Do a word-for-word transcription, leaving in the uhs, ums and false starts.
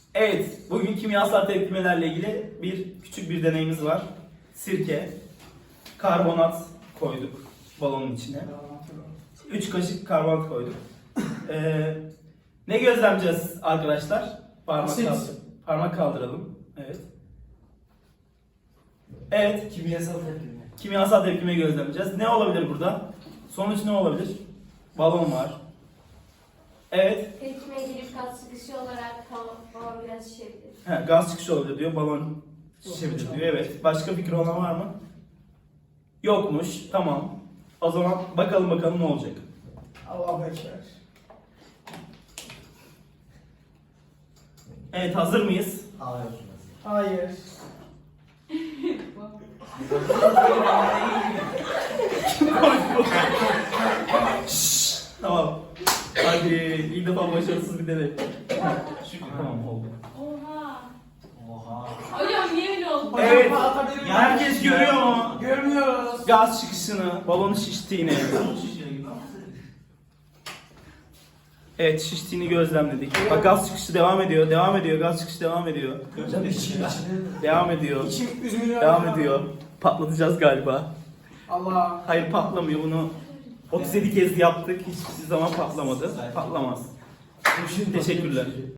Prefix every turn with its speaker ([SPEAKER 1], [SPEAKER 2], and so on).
[SPEAKER 1] Evet, bugün kimyasal tepkimelerle ilgili bir küçük bir deneyimiz var. Sirke, karbonat koyduk balonun içine. üç kaşık karbonat koyduk. Ee, ne gözlemleyeceğiz arkadaşlar? Parmak,
[SPEAKER 2] Asit.
[SPEAKER 1] kaldır parmak kaldıralım. Evet. Evet,
[SPEAKER 2] Kimyasal tepkime.
[SPEAKER 1] kimyasal tepkime gözlemleyeceğiz. Ne olabilir burada? Sonuç ne olabilir? Balon var. Evet.
[SPEAKER 3] Tepkime girip gaz çıkışı olarak balon biraz şişebilir.
[SPEAKER 1] He, gaz çıkışı olabilir diyor, balon şişebilir diyor. Evet. Başka fikri olan var mı? Yokmuş. Tamam. O zaman bakalım bakalım ne olacak.
[SPEAKER 2] Allah'a ekber.
[SPEAKER 1] Evet, hazır mıyız?
[SPEAKER 4] Hayır.
[SPEAKER 2] Hayır.
[SPEAKER 1] Şşş, tamam. Hadi ilk defa başarısız bir deney. Şükür tamam oldu.
[SPEAKER 3] Oha.
[SPEAKER 4] Oha.
[SPEAKER 3] Hocam niye öyle oldu?
[SPEAKER 1] Evet.
[SPEAKER 2] Hocam, atabilir miyim?
[SPEAKER 1] Herkes görüyor mu?
[SPEAKER 2] Görmüyoruz.
[SPEAKER 1] Gaz çıkışını, balonun şiştiğini. Evet, şiştiğini gözlemledik. Bak, gaz çıkışı devam ediyor, devam ediyor, gaz çıkışı devam ediyor.
[SPEAKER 2] Hocam içim
[SPEAKER 1] Devam ediyor,
[SPEAKER 2] içim üzülüyor.
[SPEAKER 1] devam ediyor. Patlatacağız galiba.
[SPEAKER 2] Allah.
[SPEAKER 1] Hayır, patlamıyor. Bunu otuz yedi kez yaptık. Hiçbir zaman patlamadı. Patlamaz. Teşekkürler.